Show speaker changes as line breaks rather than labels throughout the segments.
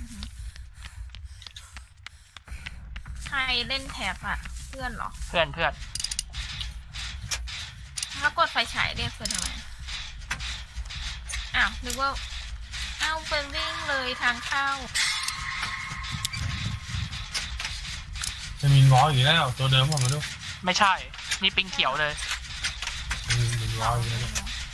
ใครเล่นแท็บอะเพื่อนเหรอ
เพื่อน
แล้วกดไฟฉายเรียกเพื่อนทำไมอ้าวนึกว่าเป็นวิ่งเลยทางเข้า
จะมีง้ออยู่แล้วตัวเดิมผมมาดู
ไม่ใช่นี่ปิงเขียวเลย
มีง้ออยู่แล้ว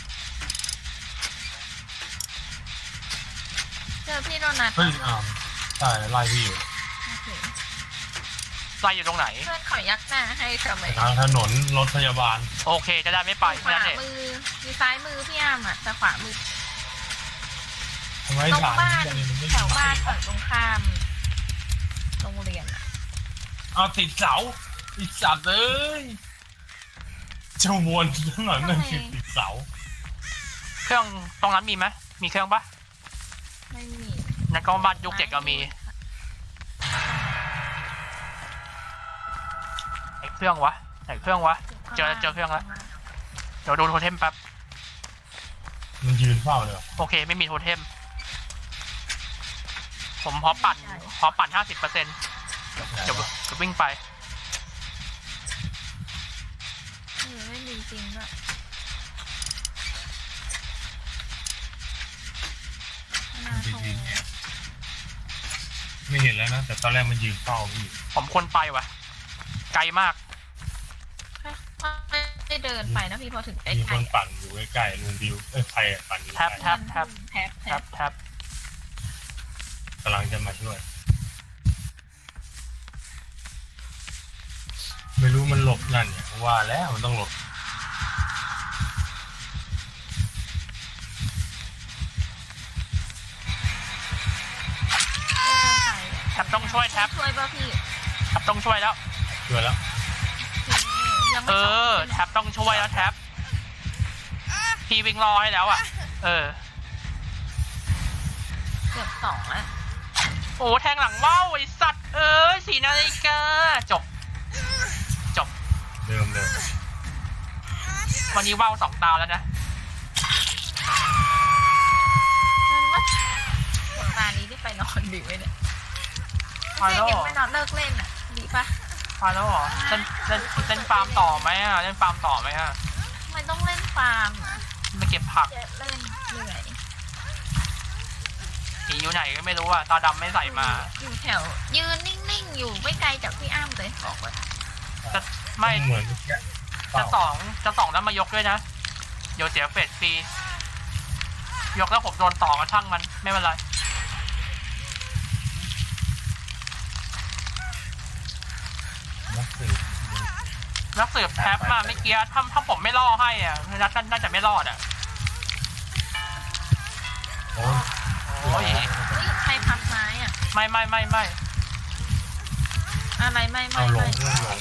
เจอพี่โดนัท
เฮ้ยใช่ไล่พี่อยู่
โอเค
ไล่อยู่ตรงไหน
เพื่อนขอยักหน้าให้ทำไม
ทางถนนรถพยาบาล
โอเคจะได้ไม่ไป
ขวา
นั่นเอง
มือมีซ้ายมือพี่อ้ามอะแต่ขวามือ
ทำไม
ตรง
ถาม
บ้าน
ไม่
แถวบ้านฝั่งตรงข้ามโรงเรียนอะ
เอาติดเสาติดสัตว์เอ้ยเจ้าวนข้างหลังนั่นคือติดเสา
เครื่องตรงนั้นมีไหมมีเครื่องปะ
ไม่มี
ในกล้องบ้านยุคเด็กก็มีไหนเครื่องวะเจอเครื่องแล้วเดี๋ยวดูโทเทมแป๊บ
มันยืนเฝ้าเลย
โอเคไม่มีโทเทมผมพอปั่น50%เดี๋ยววิ่งไป
ไม่มีจริงด้วยน่าโทร
ไม่เห็นแล้วนะแต่ตอนแรกมันยืนเฝ้าพี่
ผมควรไปวะไกลมาก
ไม่ได้เดินไปนะพี่พอถึงใกล้
มี
ๆ
คนปั่นอยู่ใกล้ๆลุงบิวใครปั่นอยู่
แท็บ
แท็บ
กำลังจะมาช่วยไม่รู้มันหลบนั่นเนี่ยว่าแล้วมันต้องหลบ
แท็บต้องช่วยแท็บ
ช่วยป่ะพี่
แท็บต้องช่วยแล้ว
ช่วยแล้ว
ยังไม่
แท็บต้องช่วยแล้วแท็บพี่วิ่งรอให้แล้วอ่ะ
เกือบ2แล้ว
โอ้แทงหลังว่าวไอสัตว์4 นาฬิกาจบ
เดิม
วันนี้ว่าว2 ตาแล้วนะ
ตานี้ได้ไปนอนดึกไหมเนี่ยไม่ยังไม่นอนเลิกเล่นอ่ะดีปะ
พาแล้วเหรอเล่นฟาร์มต่อไหมอ่ะเล่นฟาร์มต่อไหมอ่ะ
ไม่ต้องเล่นฟาร์มอ่ะ
มาเก็บผัก
เล่นเหนื่อย
ผีอยู่ไหนก็ไม่รู้อ่ะตาดำไม่ใส่มา
อยู่แถวยืนนิ่งๆอยู่ไม่ไกลจากพี่อ้ำเลยบอกว่า
จะไม่
เหมือน
จะสองแล้วมายกด้วยนะเดี๋ยวเสียเฟสฟรียกแล้วผมโดนต่อมาช่างมันไม่เป็นไรนักสืบแท็บมาไม่เกี้ถ้าผมไม่ล่อให้อ่ะน่าจะไม่รอดอ่ะโอ้ย
ใครพักไม้อ่ะ
ไม่
อะไรไม่
เอาลง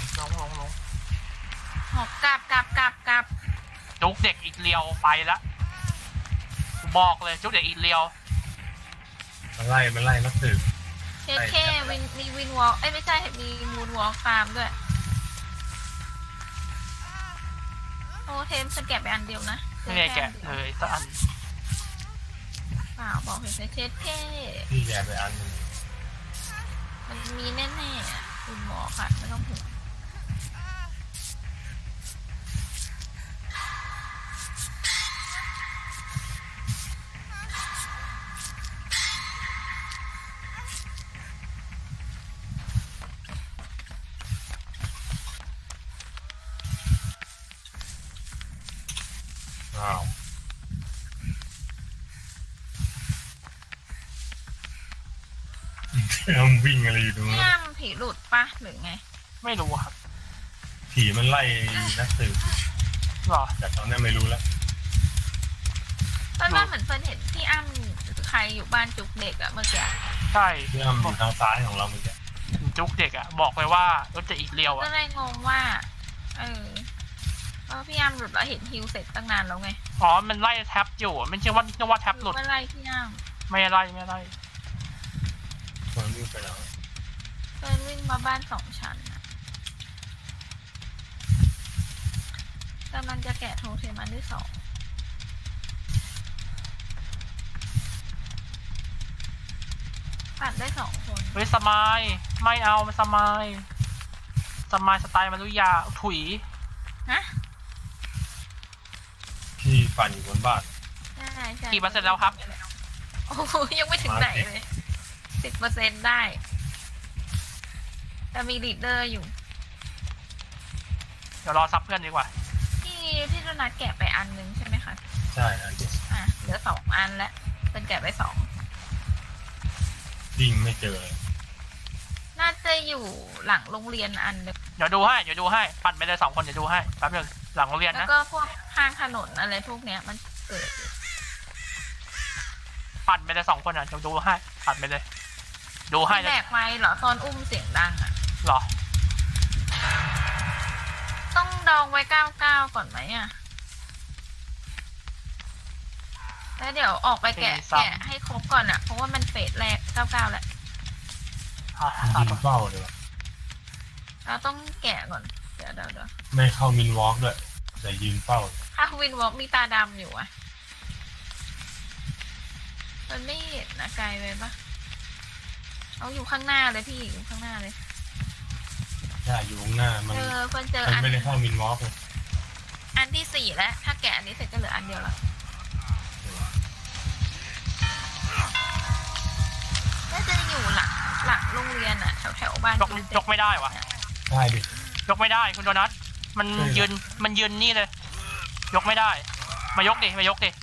หอบกลับ
จุกเด็กอีกเลียวไปละบอกเลยจุกเด็กอีกเลียว
มันไล่นักสืบ
เคมีวินวอล์กไม่ใช่มีมูนวอล์กตามด้วยโอ้เทมสแกะไปอันเดียวนะ
ไม่ได้แกะเลยสักอัน
เปล่าบอกเห็นเทสเท่
พี่แกไปอันนึง
มันมีแน่ๆคุณหมอค่ะไม่ต้องห่วง
อ้าววิ่งอะไรอยู่ตรงนั้น
ย่ามผีหลุดปะหรือไง
ไม่รู้ครับ
ผีมันไล่นักสืบ
หรอ
แต่ตอนนี้ไม่รู้แล้ว
ตอนนั้นเหมือนเฟิร์นเห็นพี่อ้ำใครอยู่บ้านจุกเด็กอะเมื่อกี้
ใช่
ที่อ้ำอยู่ทางซ้ายของเราเมื่อกี้
จุกเด็กอ่ะบอกเลยว่ารถจะอีกเลียว
ก็
อ่ะ
เลยงงว่าพี่อ้ำหลุดแล้วเห็นฮิวเสร็จตั้งนานแล้วไง
อ๋อมันไล่แท็บอยู่ไม่ใช่ว่าแท็บหลุด
เมื่อไรพี่อ้ำ
ไม่ไล่
คนวิ่งไปแล้ว
เฟิร์นวิ่งมาบ้าน2 ชั้นอะกำลังจะแกะโทเทมอันที่ 2 ปั่นได้2 คน
เฮ้ยสมายไม่เอามันสมายสไตล์มารุยาถุย
ฮะ
พี่ปั่นอยู่บนบ้าน
ใช่ใช่
กี่เปอร์เซ็นต์แล้วครับ
โอ้โหยังไม่ถึงไหนเลย10%ได้ แต่มีลีดเดอร์อยู่
เดี๋ยวรอซับเพื่อนดีกว่า
พี่โดนัทแกะไปอันนึงใช่ไหมคะ
ใช่อันเดียว
อ่ะเหลือ2 อันแล้วเป็นแกะไป2
วิ่งไม่เจอเลย
น่าจะอยู่หลังโรงเรียนอันนึง
เดี๋ยวดูให้ปั่นไปเลย2 คนเดี๋ยวดูให้แป๊บนึงหลังโรงเรียน
แล้ว
นะ
ก็พวกข้างถนนอะไรพวกเนี้ยมันเกิดอยู่
ปั่นไปเลย2 คนอ่ะเดี๋ยวดูให้ปั่นไปเลย ดูให้
แบ
เลย
กไม้เหรอตอนอุ้มเสียงดังอ่ะ
หรอ
ต้องดองไว้99ก่อนไหมอ่ะแล้วเดี๋ยวออกไปแกะให้ครบก่อนอ่ะเพราะว่ามันเฟสแรก99แล้ว
ยิงเป้าเลยว่ะ
เราต้องแกะก่อนเดี๋ยว
ไม่เข้ามินวอล์กด้วยแต่ยืนเป้า
ถ้าวินวอล์กมีตาดำอยู่อ่ะมันไม่เห็นนะไกลไปปะเอาอยู่ข้างหน้าเลยพี่อยู่ข้างหน้าเลย
ใช่อยู่ข้างหน้ามัน
เพิ่นเจอ
มัน
อัน
ไม่ได้เข้ามินวอล์กเลย
อันที่4แล้วถ้าแกะอันนี้เสร็จก็เหลืออันเดียวละน่าจะอยู่หลังโรงเรียนอ่ะแถวบ้าน
ยกไม่ได้วะ
ได้ดิ
ยกไม่ได้คุณโดนัทมันยืนนี่เลย ยกไม่ได้ มายกดิ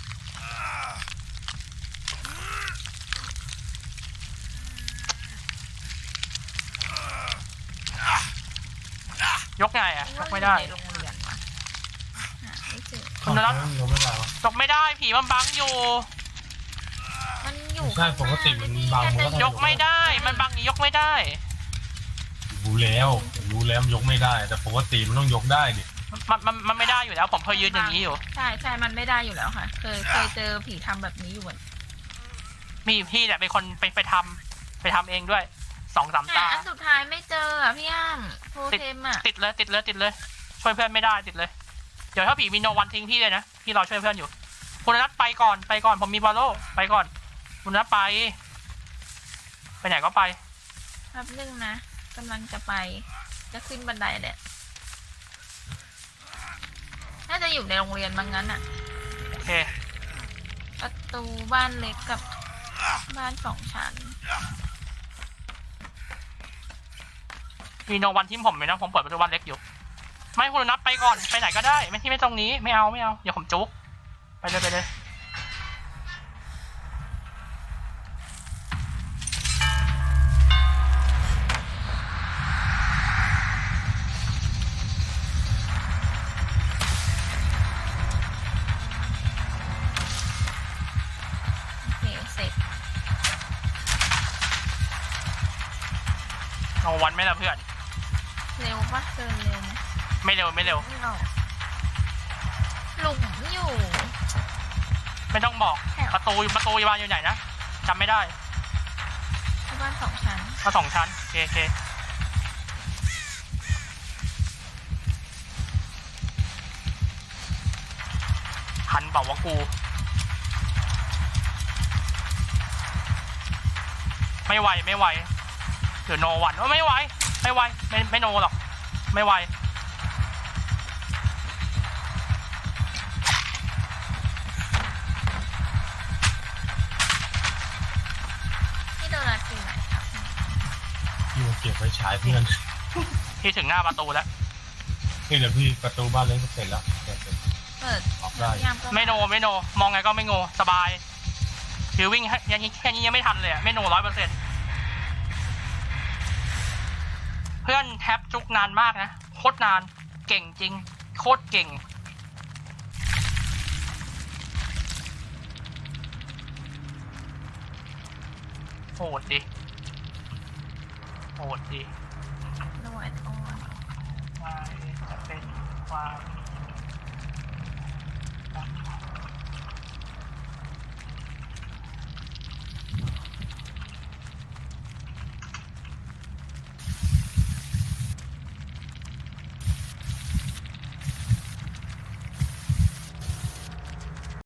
ยกไงอ่ะยกไม่ได้
ในโรงเรียนวะหาไม่เจอ
คุณโดนัท
ยกไม่ได้วะ
ยกไม่ได้ผีมันบังอยู่
มันอยู่
ใช่ปกติมันบังมันก็
ยกไม่ได้มันบังยกไม่ได้
รู้แล้วมันยกไม่ได้ แต่ปกติมันต้องยกได้ดิ
มันไม่ได้อยู่แล้วผมเคยยืนอย่างนี้อยู่
ใช่มันไม่ได้อยู่แล้วค่ะเคยเจอผีทำแบบนี้อยู่เหมือน
มีพี่เนี่ยเป็นคนไปทำเองด้วย2-3 ตา
อันสุดท้ายไม่เจออ่ะพี่อ้ำโทเทมอ่ะ
ติดเลยช่วยเพื่อนไม่ได้ติดเลยเดี๋ยวถ้าผีมีโนวันทิ้งพี่เลยนะพี่รอช่วยเพื่อนอยู่คุณนัทไปก่อนผมมีบอลโล่ไปก่อนคุณนัทไปไหนก็ไป
แป๊บนึงนะกำลังจะไปจะขึ้นบันไดแหละน่าจะอยู่ในโรงเรียนบางงั้นอ่ะ
โอเค
ประตูบ้านเล็กกับบ้าน2 ชั้น
มีโนวันทิ้งผมไหมนะผมเปิดประตูบ้านเล็กอยู่ไม่คุณนัทไปก่อนไปไหนก็ได้ไม่ตรงนี้ไม่เอาเดี๋ยวผมจุกไปเลย
โอเคเสร็จ
โนวันไม่ละเพื่อน
เร็วปะเดินเร็วไหม
ไม่เร็ว
ไม่ออกหลุมอยู่
ไม่ต้องบอกประตูบ้านอยู่ไหนนะจำไม่ได้
ที่บ้าน2 ชั้น
มา2 ชั้นโอเคหันเปล่าวะกูไม่ไหวหรือโนวันไม่ไหวไม่โนหรอกไม่ไหว
ที่โดนัทอยู่ไหนครับ
พี่มาเก็บไว้ฉายเพื่อน
พี่ถึงหน้าประตูแล้ว
นี่เดี๋ยวพี่ประตูบ้านเล็กก็เสร็จแล้วเสร็จ
เปิด
ออกได้
ยามก็
ไม่โนมองไงก็ไม่โงสบายคือวิ่งแค่นี้ยังไม่ทันเลยอะไม่โน100%เพื่อนแท็บจุกนานมากนะโคตรนานเก่งจริงโคตรเก่งโหดดิ
โนแอนออน
จะเป็นความ